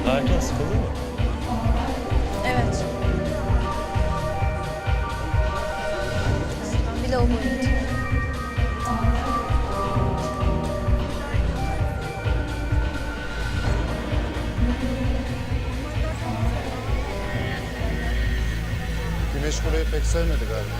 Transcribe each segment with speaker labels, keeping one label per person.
Speaker 1: Daha erken sıkıldın mı?
Speaker 2: Evet. Ben bile o boyunca.
Speaker 3: Güneş burayı pek sevmedi galiba.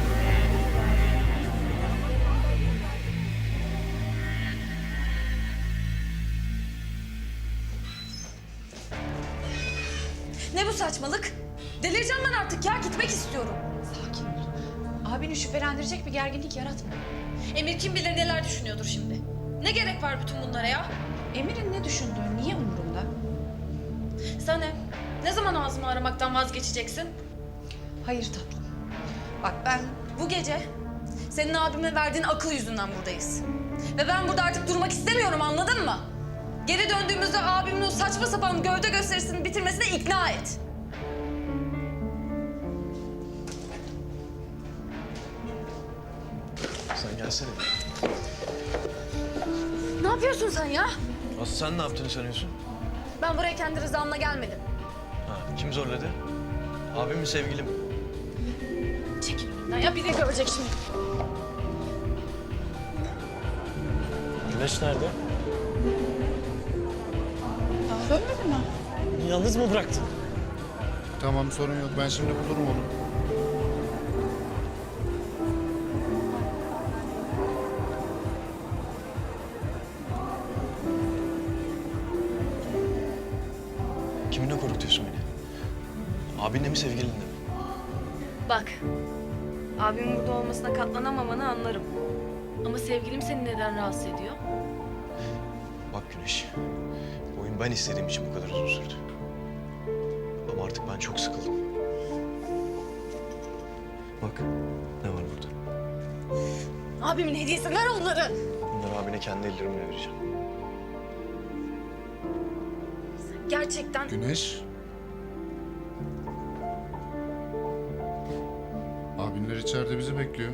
Speaker 2: Ne bu saçmalık? Delireceğim ben artık ya. Gitmek istiyorum.
Speaker 4: Sakin ol. Abini şüphelendirecek bir gerginlik yaratma.
Speaker 2: Emir kim bilir neler düşünüyordur şimdi. Ne gerek var bütün bunlara ya?
Speaker 4: Emir'in ne düşündüğü niye umurumda?
Speaker 2: Sen ne zaman ağzımı aramaktan vazgeçeceksin?
Speaker 4: Hayır tatlım. Bak ben
Speaker 2: Bu gece senin abime verdiğin akıl yüzünden buradayız. Ve ben burada artık durmak istemiyorum, anladın mı? Geri döndüğümüzde abimin o saçma sapan gövde gösterisini bitirmesine ikna et.
Speaker 1: Sen gelsene.
Speaker 2: Ne yapıyorsun sen ya?
Speaker 1: Aslı sen ne yaptığını sanıyorsun?
Speaker 2: Ben buraya kendi rızamla gelmedim.
Speaker 1: Ha, kim zorladı? Abim mi sevgilim mi?
Speaker 2: Çekil önümden ya, biri görecek şimdi.
Speaker 1: Güneş nerede?
Speaker 4: daha dönmedi mi?
Speaker 1: Yalnız mı bıraktın?
Speaker 3: Tamam, sorun yok. Ben şimdi bulurum onu.
Speaker 1: Kiminle korkutuyorsun beni? Abinle mi sevgilinle mi?
Speaker 2: Bak, abimin burada olmasına katlanamamanı anlarım. Ama sevgilim seni neden rahatsız ediyor?
Speaker 1: Bak Güneş, bu oyun ben istediğim için bu kadar uzun sürdü. Ama artık ben çok sıkıldım. Bak, ne var burada?
Speaker 2: Abimin hediyesi, ver onları.
Speaker 1: Bunları abine kendi ellerimle vereceğim.
Speaker 2: Gerçekten
Speaker 3: Güneş. Abinler içeride bizi bekliyor.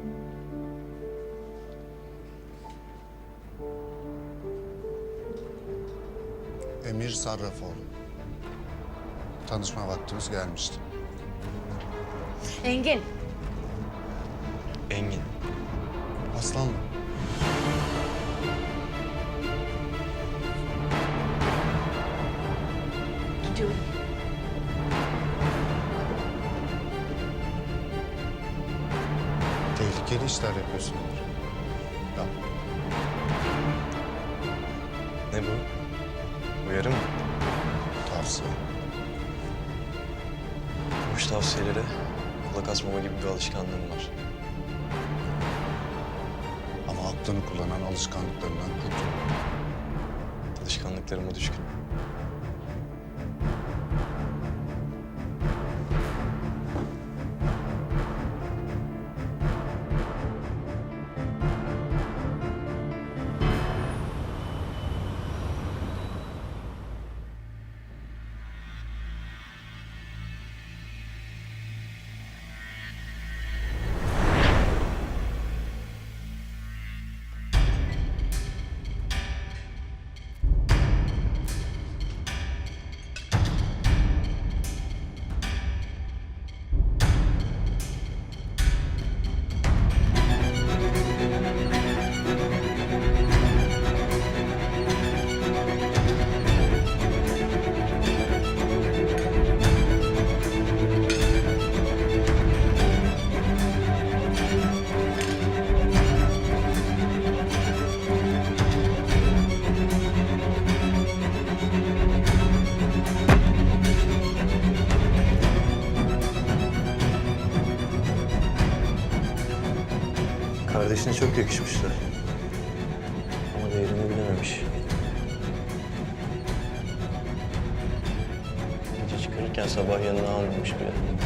Speaker 3: Emir Sarrafoğlu. Tanışma vaktimiz gelmişti.
Speaker 2: Engin.
Speaker 1: Engin.
Speaker 3: Aslanlı.
Speaker 2: Gidiyorum.
Speaker 3: Tehlikeli işler yapıyorsun Emir. Ya,
Speaker 1: Ne bu? Uyarı mı?
Speaker 3: tavsiye.
Speaker 1: Boş tavsiyelere kulak asmama gibi bir alışkanlığım var.
Speaker 3: Ama aklını kullanan alışkanlıklarından kurtul.
Speaker 1: Alışkanlıklarıma düşkün. Kardeşine çok yakışmışlar. Ama değerini bilememiş. Gece çıkarırken sabah yanına almamış bile.